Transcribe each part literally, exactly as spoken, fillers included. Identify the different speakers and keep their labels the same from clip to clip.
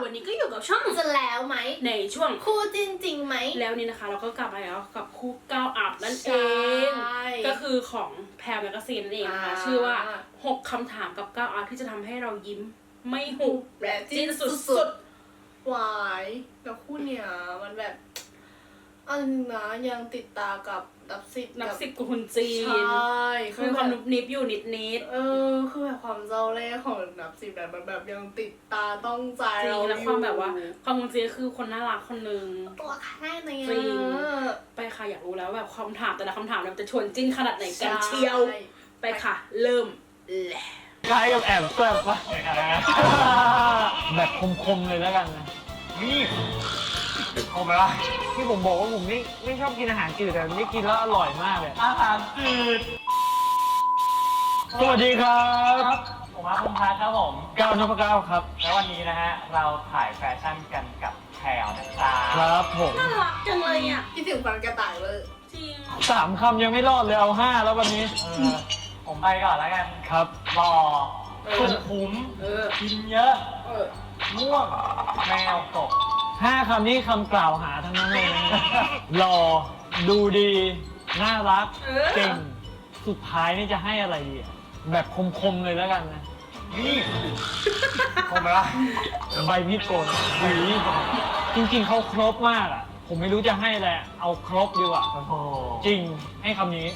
Speaker 1: วันนี้ก็อยู่กับช่อง
Speaker 2: จะแล้วไหม
Speaker 1: ในช่วง
Speaker 2: คู่จริงจริงไหม
Speaker 1: แล้วนี่นะคะเราก็กลับมาแล้วกับคู่ก้าวอัพนั่นเอง ก็คือของแพรแมกกาซีนนั่นเองนะคะชื่อว่าหกคำถามกับก้าวอัพที่จะทำให้เรายิ้มไม่หุบ
Speaker 2: และ
Speaker 1: จิ้นสุด
Speaker 2: ๆหวายแล้วคู่เนี้ยมันแบบอันนึงนะยังติดตากับนับสิบ
Speaker 1: นับสิบกับคุณจีน
Speaker 2: ใช่
Speaker 1: คือความนุบนิบอยู่นิดนิด
Speaker 2: เออคือแบบความเจ้าเล่ห์ของนับสิบแบบมันแบบยังติดตาต้องใจ
Speaker 1: จริ
Speaker 2: เรา
Speaker 1: ง
Speaker 2: อยู่
Speaker 1: แล้วความแบบว่าความคุณจีนคือคนน่ารักคนนึง
Speaker 2: ตัวแค่ไหน
Speaker 1: จริงไปค่ะอยากรู้แล้วแบบคำถามแต่ละคำถามมันจะชวนจิ้นขนาดไหนกันเชียวไปค่ะเริ่มแหละ
Speaker 3: คล้ายกับแอบแซ่บปะแบบคมๆเลยแล้วกันนะนี่คมไหมล่ะที่ผมบอกว่าผมไม่ไม่ชอบกินอาหารจืดแต่นี่กินแล้วอร่อยมากเลยอาหารจืดสวัสดีครับผมอาร์ตพงษ์พัฒน์ครับผมก้าวนพเก้าครับแล้ววันนี้นะฮะเราถ่ายแฟชั่นกันกับแพรวนะครับครับผม
Speaker 1: น่ารักจังเลยอ่ะ
Speaker 2: คิดถึงฟันกระต่ายเลย
Speaker 1: จริง
Speaker 3: สามคำยังไม่รอดเลยเอาห้าแล้ววันนี้ผมไปก่อนแล้วกันครับรอสุขุมกินเยอะม่วงแมวตกห้าคำนี้คำกล่าวหาทั้งนั้นเลยหล่อดูดีน่ารักเก่งสุดท้ายนี่จะให้อะไรดีแบบคมๆเลยแล้วกันนะนี่คมไหมล่ะใบมีดโกนหวีจริงๆเขาครบมากอ่ะผมไม่รู้จะให้อะไรเอาครบดีกว่าจริงให้คำนี้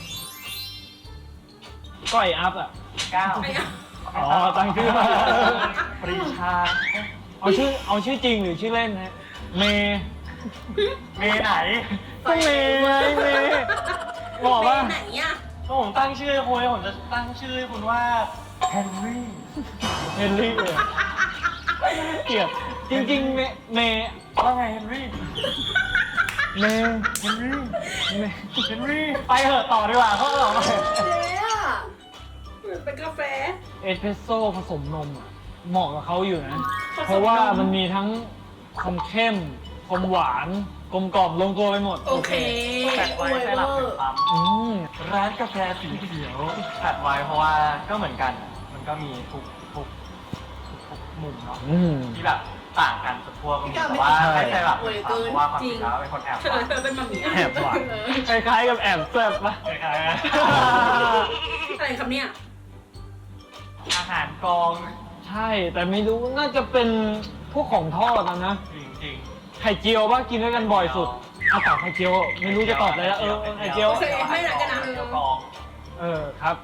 Speaker 3: ก้อยอัพอ่ะเก้าอ๋อตั้งชื่อมาปรีชาเอาชื่อเอาชื่อจริงหรือชื่อเล่นฮะเมย์เมย์ไหนก็เมย์ไงเมย์บอกว่า
Speaker 1: ไหนอ่ะ
Speaker 3: ก็ผมตั้งชื่อคุณผมจะตั้งชื่อคุณว่าเฮนรี่เฮนรี่เลยเกลียดจริงๆเมย์เมย์ว่าไงเฮนรี่เมย์เฮนรี่เมย์เฮนรี่ไปเถอะต่อดีกว่าเขาหรอ
Speaker 2: เจ๊อะ
Speaker 1: เป็นกาแฟ
Speaker 3: เอสเปรสโซ่ผสมนมอ่ะเหมาะกับเขาอยู่นะเพราะว่ามันมีทั้งความเข้มความหวานกลมกล่อมลงตัวไปหมด
Speaker 1: โอเค
Speaker 3: แปะไว้ใต้หลับเป็นปั๊มร้านกาแฟสีเขียวแปะไว้เพราะว่าก็เหมือนกันมันก็มีทุกทุกทุกมุมเนาะที่แบบต่างกันสุดพวกแต่ว่าไม่ใช่แบบเพราะว่าความจริงแล้วเป็นคนแอบ
Speaker 1: เธอเธอเป็นมัมมี่
Speaker 3: แอบหวานคล้ายๆกับแอบแซ่บปะคล้ายๆ
Speaker 1: อะไรครับเนี่ย
Speaker 3: อาหารกองใช่แต่ไม่รู้น่าจะเป็นพวกของทอดนะนะจริงๆไข่เจียวว่ากินด้วยกันบ่อยสุดอาตอบไข่เจียวไม่รู้จะตอบอะไรแล้วเออไข่เจียว
Speaker 1: ไม่หนักกันนะ
Speaker 3: เออครับ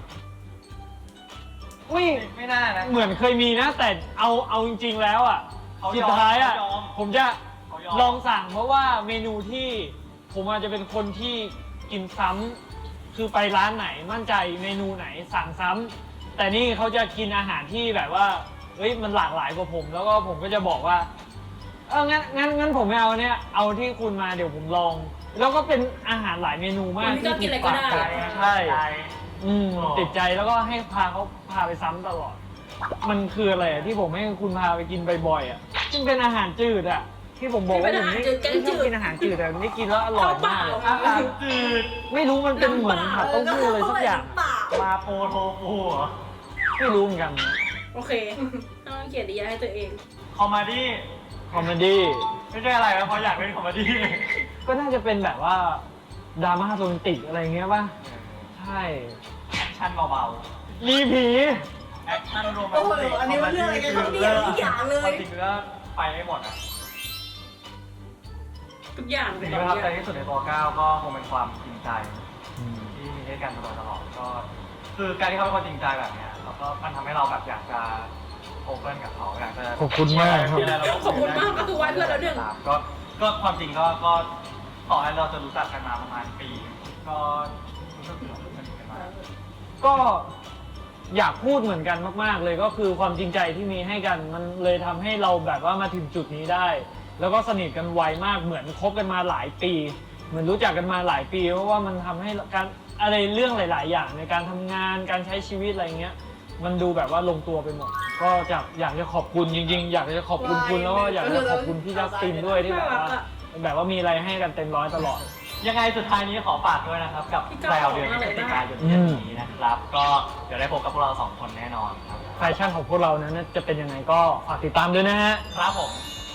Speaker 3: อุ้ยไม่น่านะเหมือนเคยมีนะแต่เอาเอาจริงๆแล้วอ่ะสุดท้ายอ่ะผมจะลองสั่งเพราะว่าเมนูที่ผมอาจจะเป็นคนที่กินซ้ำคือไปร้านไหนมั่นใจเมนูไหนสั่งซ้ำแต่นี่เขาจะกินอาหารที่แบบว่าเฮ้ยมันหลากหลายกว่าผมแล้วก็ผมก็จะบอกว่าเอองั้นงั้นงั้นผมไม่เอาเนี่ยเอาที่คุณมาเดี๋ยวผมลองแล้วก็เป็นอาหารหลายเมนูมาก
Speaker 1: ที่กินอะไรก็ได้
Speaker 3: ใช่อืมติดใจแล้วก็ให้พาเขาพาไปซ้ำตลอดมันคืออะไรที่ผมให้คุณพาไปกินบ่อยๆอ่ะซึ่งเป็นอาหารจืดอ่ะที่ผมบอกว่าผมไม่ไม่ชอบกินอาหารจืดแต่นี่กินแล้วอร่อยมากอาหารจืดไม่รู้มันเป็นเหมือนผัดเต้าหู้อะไรสักอย่างมาโปโทฟูไม่รู้เหมือนกัน
Speaker 1: โอเคต้องเขียนดียาให้ตัวเอง
Speaker 3: คอมเมดี้คอมเมดี้ไม่ใช่อะไรนะเพราะอยากเป็นคอมเมดี้ก็น่าจะเป็นแบบว่าดราม่าโรแมนติกอะไรเงี้ยป่ะใช่แอคชั่นเบาๆมีผีแอคชั่นโรแมนติก
Speaker 2: โอ้โหอันนี้มันเรื่องอะไรกันครับเนี่ยทุกอย่างเลย
Speaker 3: จริงๆแล้วไปไม่หมดอ่ะ
Speaker 1: ทุกอย่าง
Speaker 3: สิ่งที่ประทับใจที่สุดในตัวก้าวก็คงเป็นความจริงใจที่มีให้กันตลอดตลอดก็คือการที่เขาเป็นคนจริงใจแบบเนี้ยแล้วก็มันทำให้เราแบบอยากจะโอเพ่นกับเขาอยากจะขอบคุณมากครับ
Speaker 1: ขอบคุณมากก็คือวันเพื่อนแล้วหนึ่ง
Speaker 3: ก็ก็ความจริงก็ก็ต่อให้เราจะรู้จักกันมาประมาณปีก็รู้สึกเหมือนสนิทกันมากก็อยากพูดเหมือนกันมากๆเลยก็คือความจริงใจที่มีให้กันมันเลยทำให้เราแบบว่ามาถึงจุดนี้ได้แล้วก็สนิทกันไวมากเหมือนคบกันมาหลายปีเหมือนรู้จักกันมาหลายปีเพราะว่ามันทำให้การอะไรเรื่องหลายๆอย่างในการทำงานการใช้ชีวิตอะไรเงี้ยมันดูแบบว่าลงตัวไปหมดก็จะอยากจะขอบคุณจริงๆอยากจะขอบคุณคุณแล้วก็อยากจะขอบคุณพี่จัสตินด้วยที่แบบว่าแบบว่ามีอะไรให้กันเต็มร้อยตลอดยังไงสุดท้ายนี้ขอฝากด้วยนะครับกับแพรวเดือนพฤศจิกายนนี้นะครับก็เดี๋ยวได้พบกับพวกเราสองคนแน่นอนครับแฟชั่นของพวกเรานั้นจะเป็นยังไงก็ฝากติดตามด้วยนะฮะครับผม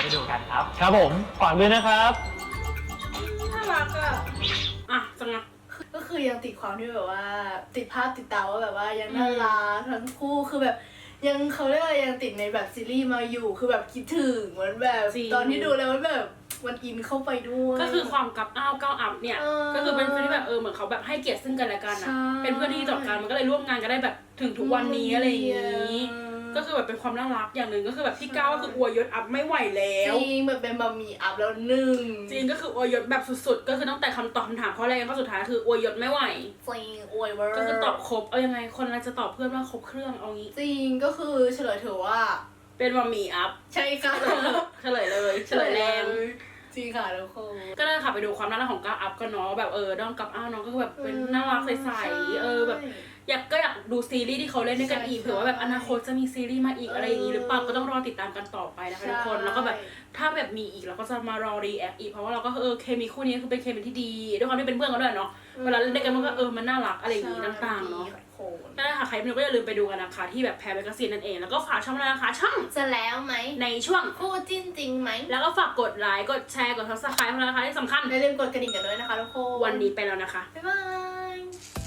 Speaker 3: ไปดูกันครับ ครับผมฝากด้วยนะครับ
Speaker 1: น่ารักอ่ะอ่ะจังไง
Speaker 2: ก็คือยังติดความที่แบบว่า ติดภาพติดตาว่าแบบว่ายังน่ารักทั้งคู่คือแบบยังเขาเรียกว่ายังติดในแบบซีรีส์มาอยู่คือแบบคิดถึงเหมือนแบบ
Speaker 1: จริง
Speaker 2: ตอนที่ดูแล้วมันแบบมันอินเข้าไปด้วย
Speaker 1: ก็คือความกับอ้าวก้าวอัพเนี่ย
Speaker 2: เออ
Speaker 1: ก็คือเป็นเพื่อนที่แบบเออเหมือนเขาแบบให้เกียรติซึ่งกันและกันอ่ะ
Speaker 2: ใช่
Speaker 1: เป็นเพื่อนที่ต่อกันมันก็เลยร่วมงานกันได้แบบถึงทุกวันนี้อะไรอย่างนี้
Speaker 2: เออ
Speaker 1: ก็คือแบบเป็นความน่ารักอย่างหนึ่งก็คือแบบพี่ก้าวก็คืออวยยศอัพไม่ไหวแล้ว
Speaker 2: จริงแบบเป็นบะหมี่อัพแล้วหนึ่ง
Speaker 1: จริงก็คืออวยยศแบบสุดๆ ก็คือตั้งแต่คำตอบคำถามข้อแรกข้อสุดท้ายคืออวยยศไม่ไหว
Speaker 2: จริงอวยเวอร์
Speaker 1: ก็คือตอบครบเอายังไงคนเราจะตอบเพื่อนว่าครบเครื่องเอางี้
Speaker 2: จริงก็คือเฉลยเถอะว่า
Speaker 1: เป็นบะหมี่อัพ
Speaker 2: ใช่ค่ะ
Speaker 1: เฉลยเลยเฉลยแรง
Speaker 2: จริงค่ะทุกคน
Speaker 1: ก็เลยค่ะไปดูความน่ารักของก้าวอัพกันเนาะแบบเออน้องกับอ้าวน้องก็คือแบบเป็นน่ารักใสๆเออแบบอยากก็อยากดูซีรีส์ที่เขาเล่นด้วยกันอีกเผื่อว่าแบบอนาคตจะมีซีรีส์มาอีกอะไรอย่างนี้หรือเปล่าก็ต้องรอติดตามกันต่อไปนะคะทุกคนแล้วก็แบบถ้าแบบมีอีกเราก็จะมารอรีแอคอีกเพราะว่าเราก็เออเคมีคู่นี้คือเป็นเคมีที่ดีด้วยความที่เป็นเพื่อนกันด้วยเนาะเวลาเล่นด้วยกันมันก็เออมันน่ารักอะไรอย่างนี้ต่างๆเนาะก็ได้ค่ะใครไม่รู้ก็อย่าลืมไปดูกันนะคะที่แบบแพรแมกกาซีนนั่นเองแล้วก็ฝากช่องด้วยนะคะช่อง
Speaker 2: จะแล้วไหม
Speaker 1: ในช่วง
Speaker 2: คู่จิ้นจริงไหม
Speaker 1: แล้วก็ฝากกดไลค์กดแชร์กด ซับสไครบ์ นะคะที่สำคัญ
Speaker 2: อย่าลืมกดกระดิ่งกันด้วยนะคะทุกคน
Speaker 1: วันนี้ไปแล้วนะคะ
Speaker 2: บ๊ายบาย